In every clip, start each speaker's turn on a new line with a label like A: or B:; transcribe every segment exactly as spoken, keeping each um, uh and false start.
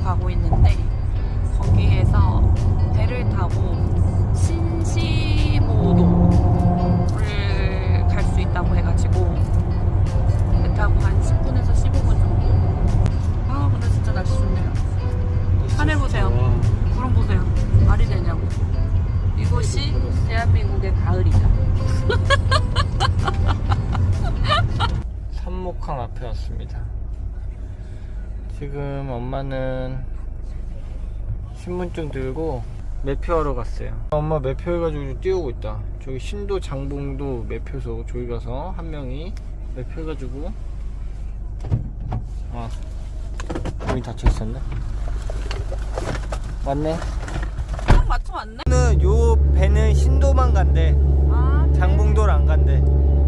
A: 가고 있는데 거기에서 배를 타고 신시모도를 갈 수 있다고 해가지고 배 타고 한 십 분에서 십오 분 정도. 아 근데 진짜 날씨 좋네요. 하늘 보세요. 구름 보세요. 말이 되냐고. 이곳이 대한민국의 가을이다.
B: 삼목항 앞에 왔습니다. 지금 엄마는 신분증 들고 매표하러 갔어요. 엄마 매표 해가지고 뛰어오고 있다. 저기 신도 장봉도 매표소 저기 가서 한 명이 매표 해가지고 아 문이 닫혀있었네. 맞네.
A: 딱 맞춰 왔네?
B: 오늘 요 배는 신도만 간대.
A: 아, 그래?
B: 장봉도를 안 간대.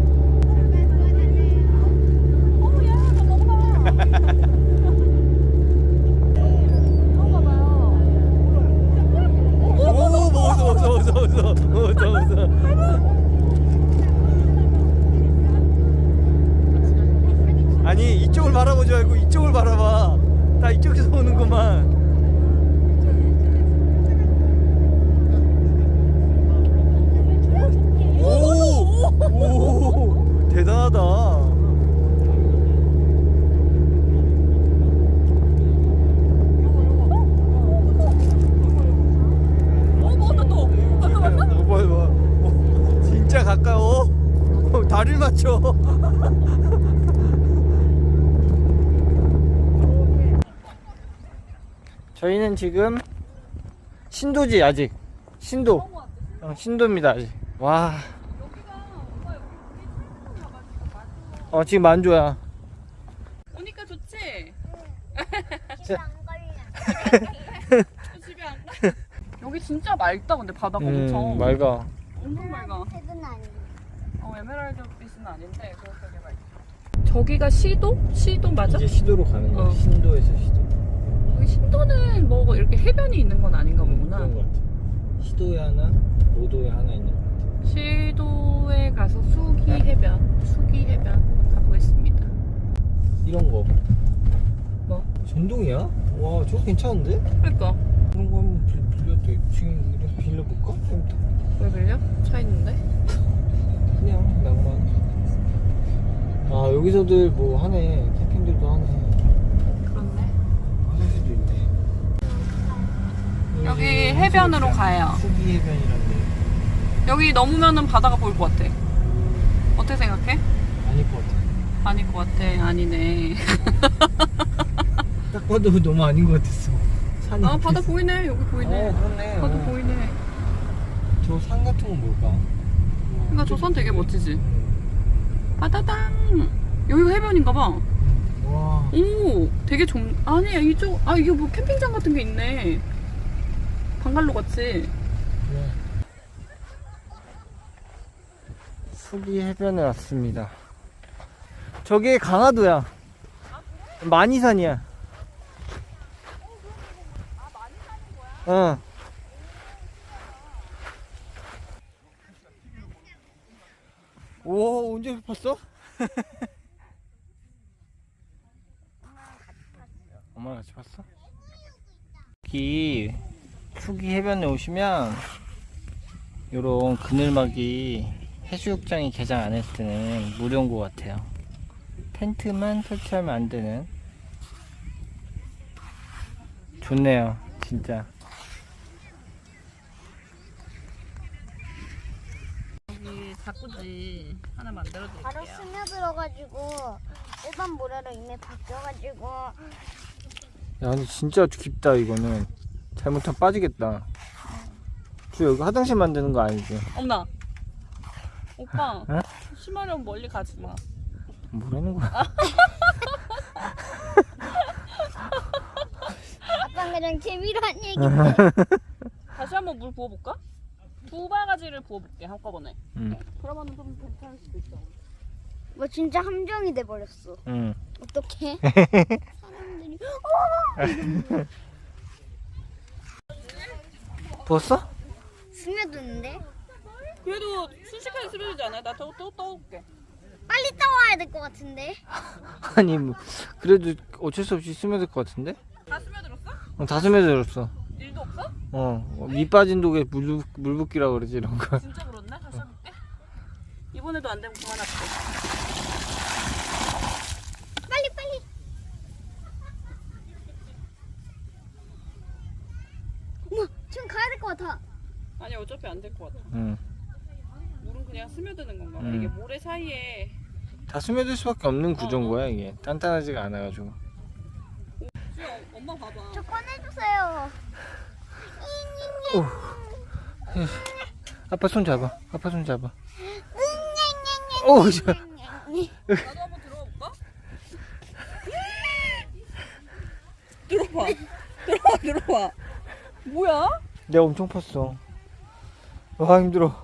A: 어우야, 너 먹어봐.
B: 오, 먹었어, 먹었어, 먹었어, 먹었어, 먹었어, 먹었어. 아니, 이쪽을 바라보지 말고 이쪽을 바라봐. 다 이쪽에서 오는구만. 오, 오, 대단하다. 진짜 가까워. 다리를 맞춰. 저희는 지금 신도지. 아직 신도. 어, 신도입니다 아직. 와. 어 지금 만조야.
A: 오니까 좋지?
C: 집에 안 걸려.
A: 집에 안 가? 여기 진짜 맑다. 근데 바다가 엄청
B: 음, 맑아.
A: 엄청 맑아.
C: 색은 아니야.
A: 어, 에메랄드빛은 아닌데 그렇게 되게 맑다. 저기가 시도? 시도 맞아?
B: 이제 시도로 가는 거야.
A: 어.
B: 신도에서 시도.
A: 여기 신도는 뭐 이렇게 해변이 있는 건 아닌가 보구나.
B: 그런 거 같아. 시도에 하나, 모도에 하나 있는 거 같아.
A: 시도에 가서 수기 해변, 수기 해변 가보겠습니다.
B: 이런 거.
A: 뭐?
B: 전동이야? 와, 저거 괜찮은데?
A: 그러니까
B: 그런 거 한번 빌- 빌려도 지금 이렇게 빌려볼까? 좀 더.
A: 왜 빌려? 차 있는데?
B: 그냥 낭만. 아 여기서들 뭐 하네. 캠핑들도 하네.
A: 그렇네.
B: 화장실도 있네.
A: 여기 해변으로 가요.
B: 수기 해변이란데.
A: 여기 넘으면은 바다가 보일 것 같아. 어떻게 생각해?
B: 아닐 것 같아.
A: 아닐 것 같아. 아니네.
B: 딱 봐도 너무 아닌 것 같았어. 산이
A: 아
B: 앞에
A: 바다
B: 있어.
A: 보이네. 여기 보이네.
B: 어 그렇네.
A: 바다
B: 어.
A: 보이네.
B: 저 산 같은 건 뭘까?
A: 그러니까 저 산 되게 멋지지.
B: 음.
A: 바다당. 여기가 해변인가 봐.
B: 와.
A: 오, 되게 좁. 아니야 이쪽. 아 이게 뭐 캠핑장 같은 게 있네. 방갈로 같이.
B: 네. 수기 해변에 왔습니다. 저게 강화도야. 만이산이야. 어. 오, 언제 봤어? 엄마랑 같이 봤어? 여기 수기 해변에 오시면 요런 그늘막이 해수욕장이 개장 안 했을 때는 무료인 것 같아요. 텐트만 설치하면 안 되는. 좋네요, 진짜.
A: 여기 자꾸지 하나 만들어
C: 바로
A: 드릴게요.
C: 스며들어가지고 일반 모래로 이미 바뀌어가지고
B: 야, 근데 진짜 깊다. 이거는 잘못하면 빠지겠다. 주 여기 화장실 만드는 거 아니지?
A: 엄나. 오빠.
B: 어?
A: 심하려면 멀리 가지 마.
B: 뭐라는 거야?
C: 아빠 그냥 재미로 한 얘기인데.
A: 다시 한번 물 부어볼까? 두 바가지를 부어볼게 한꺼번에.
B: 응,
A: 그러면은 좀 괜찮을 수도 있어.
C: 뭐 진짜 함정이 돼 버렸어.
B: 응.
C: 어떡해? 사람들이
B: 부었어?
C: 스며드는데
A: 그래도 순식간에 스며들지 않아요? 나 또 또 떠올게.
C: 빨리 떠와야 될 것 같은데.
B: 아니 뭐 그래도 어쩔 수 없이 스며들 것 같은데?
A: 다 스며들었어?
B: 어, 다 스며들었어.
A: 일도 없어?
B: 어, 밑 빠진 독에 물, 물 붓기라고 그러지, 이런 거.
A: 진짜 그렇네? 다시 해볼게. 이번에도 안 되면 그만할게.
C: 빨리 빨리. 어머 지금 가야 될 것 같아.
A: 아니 어차피 안 될 것 같아.
B: 응.
A: 물은 그냥 스며드는 건가 봐.
B: 음.
A: 이게 모래 사이에.
B: 다 스며들 수밖에 없는 구조인
A: 어, 어.
B: 거야, 이게. 단단하지가 않아가지고.
A: 수야 엄마 봐봐.
C: 저 꺼내주세요.
B: 오. 아빠 손 잡아. 아빠 손 잡아. 오, 저.
A: 나도 한번 들어가 볼까? 들어봐. 들어봐 들어봐. 뭐야?
B: 내가 엄청 팠어. 와, 힘들어.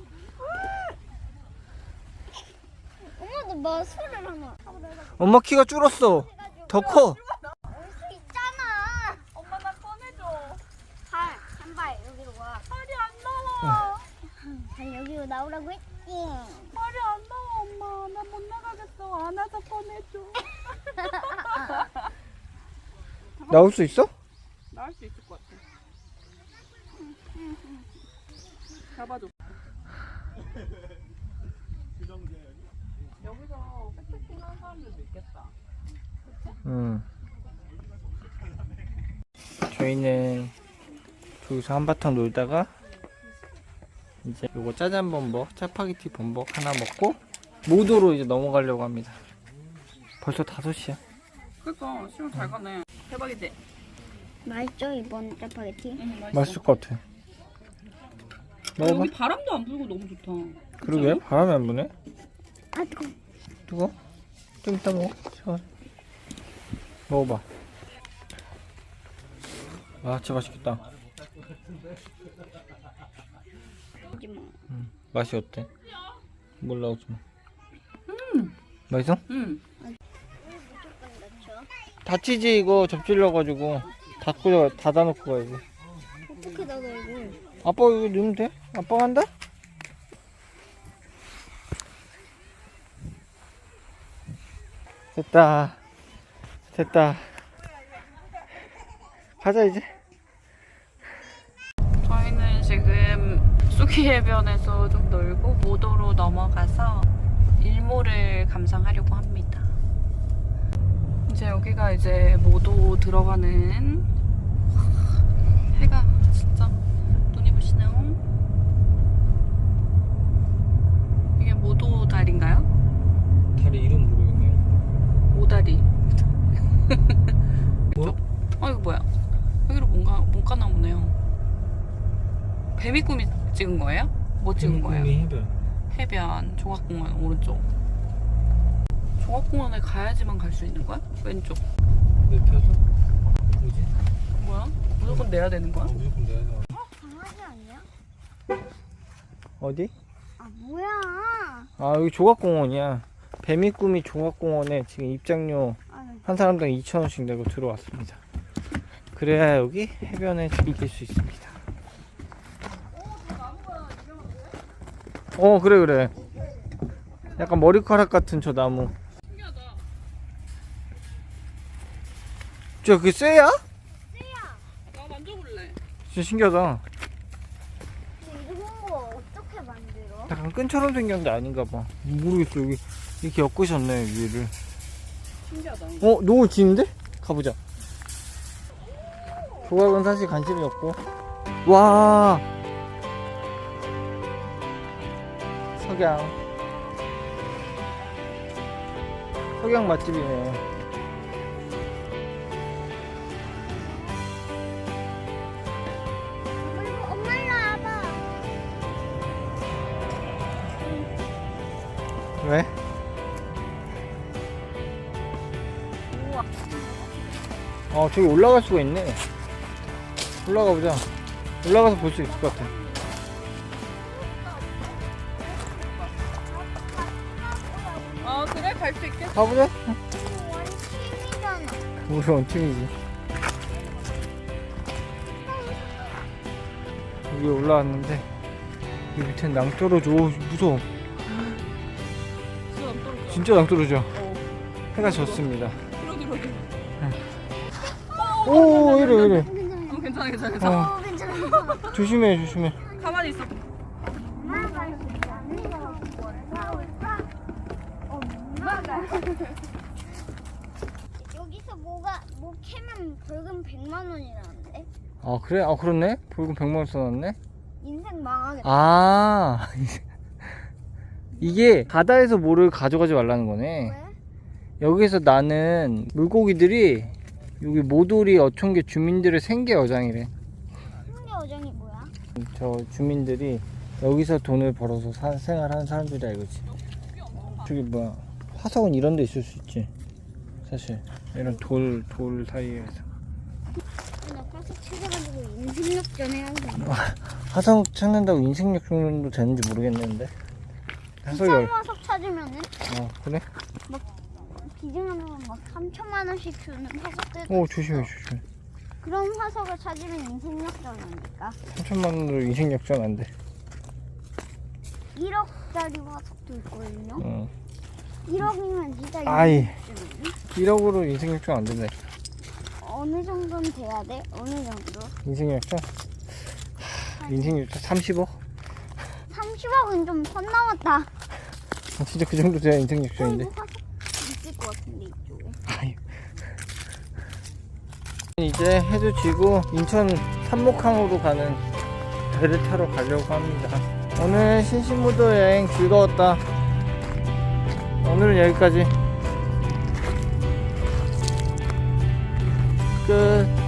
C: 엄마도 뭐 술을 하나.
B: 엄마 키가 줄었어. 더 커.
C: 올 수 있잖아.
A: 엄마 나 꺼내줘.
C: 발, 한 발 여기로 와.
A: 팔이 안 나와.
C: 발 여기로 나오라고 했지.
A: 팔이 안 나와 엄마. 나 못 나가겠어. 안아서 꺼내줘.
B: 나올 수 있어?
A: 나올 수 있을 것 같아. 잡아줘. 여기서 백패킹 하는 사람들도 있겠다.
B: 응. 저희는 저기서 한바탕 놀다가 이제 요거 짜장 범벅, 짜파게티 범벅 하나 먹고 모도로 이제 넘어가려고 합니다. 벌써 다섯 시야.
A: 그니까 시간 잘 가네. 대박이지?
C: 맛있죠 이번 짜파게티?
A: 응, 맛있어.
B: 맛있을 것 같아.
A: 아,
B: 먹어봐.
A: 여기 바람도 안 불고 너무 좋다.
B: 그러게, 바람이 안 부네.
C: 아 뜨거.
B: 뜨거? 좀 이따 먹어. 샤워. 먹어봐. 아, 진짜 맛있겠다.
C: 하지 마.
B: 음, 맛이 어때? 몰라, 오지 마.
A: 음.
B: 맛있어?
A: 응.
C: 무조건 넣죠.
B: 다치지, 이거 접질러가지고. 닫고, 닫아놓고 가야지.
C: 어떻게 넣어 이거?
B: 아빠 이거 넣으면 돼? 아빠 간다? 됐다. 됐다. 가자, 이제.
A: 저희는 지금 쑥이 해변에서 좀 놀고 모도로 넘어가서 일몰을 감상하려고 합니다. 이제 여기가 이제 모도 들어가는 해가 진짜 눈이 부시네요. 이게 모도 다리인가요?
B: 다리 이름 모르겠네요.
A: 오다리.
B: 뭐?
A: 어 이거 뭐야? 여기로 뭔가 못 가나 보네요. 뱀이 꿈이 찍은 거예요? 뭐 찍은 거예요?
B: 해변.
A: 해변 종합공원 오른쪽. 종합공원에 가야지만 갈 수 있는 거야? 왼쪽.
B: 눕혀서? 뭐지?
A: 뭐야? 무조건 내야 되는 거야?
B: 무조건 내야 돼.
C: 강아지 아니야?
B: 어디?
C: 아 뭐야?
B: 아, 여기 조각공원이야. 뱀이 꿈이 조각공원에 지금 입장료
C: 아, 나
B: 한 사람당 이천 원씩 내고 들어왔습니다. 그래야 여기 해변에 즐길 수 있습니다. 어, 그래 그래. 약간 머리카락 같은 저 나무.
A: 신기하다.
B: 저 그게 쇠야?
A: 나 만져볼래.
B: 진짜 신기하다.
C: 이런 거 어떻게 만들어?
B: 약간 끈처럼 생겼는데 아닌가 봐. 모르겠어. 여기 이렇게 엮으셨네, 위를.
A: 신기하다.
B: 어, 노을 지는데? 가보자. 조각은 사실 관심이 없고. 와, 석양. 석양 맛집이네.
C: 그리고 엄마 일로 와봐.
B: 왜?
C: 우와.
B: 어, 저기 올라갈 수가 있네. 올라가 보자. 올라가서 볼 수 있을 것 같아.
A: 아 그래? 갈 수 있겠어?
B: 가보자.
C: 이거 원팀이잖아.
B: 우리 원팀이지. 여기 올라왔는데 여기 밑엔 낭떠러져. 오, 무서워.
A: 진짜 안 떨어져.
B: 진짜 낭떠러져.
A: 어.
B: 해가 졌습니다.
A: 그러기 그러기.
B: 응.
A: 어
B: 오 이래 이래.
A: 어, 괜찮아 괜찮아 괜찮아.
B: 어,
C: 어, 괜찮아, 괜찮아.
B: 조심해 조심해.
A: 가만히 있어.
C: 엄마가 있다는 거 올까? 엄마가. 여기서 뭐가 뭐 캐면 벌금 백만 원이라는데?
B: 아 그래? 아 그렇네. 벌금 백만 원 써놨네.
C: 인생 망하겠다.
B: 아 이게 바다에서 뭐를 가져가지 말라는 거네.
C: 왜?
B: 여기서 나는 물고기들이 여기 모돌이 어촌계 주민들의 생계 여장이래.
C: 홍대 어장이 뭐야?
B: 저 주민들이 여기서 돈을 벌어서 사, 생활하는 사람들이야 이거지. 저기 뭐야 화석은 이런 데 있을 수 있지 사실. 이런 돌, 돌 사이에서.
C: 나 가서 찾아가지고 인생역전 해야지.
B: 화석 찾는다고 인생력 정도 되는지 모르겠는데. 화석이 얼...
C: 화석 찾으면은
B: 어 그래?
C: 기증하면 막 삼천만 원씩 주는 화석들.
B: 오 조심해 조심해.
C: 그런 화석을 찾으면 인생역전이니까.
B: 삼천만 원으로 인생역전 안 돼.
C: 일억짜리 화석도 있거든요.
B: 어.
C: 일억이면 진짜
B: 아이.
C: 인생역전이네.
B: 일억으로 인생역전 안 된다.
C: 어느 정도는 돼야 돼? 어느 정도?
B: 인생역전? 인생역전 삼십억?
C: 삼십억은 좀 선 넘었다.
B: 아, 진짜 그 정도 돼야 인생역전인데.
C: 어, 이거 화석 있을 것 같은데 이쪽에.
B: 아유. 이제 해도 지고 인천 삼목항으로 가는 배를 타러 가려고 합니다. 오늘 신신무도 여행 즐거웠다. 오늘은 여기까지. 끝.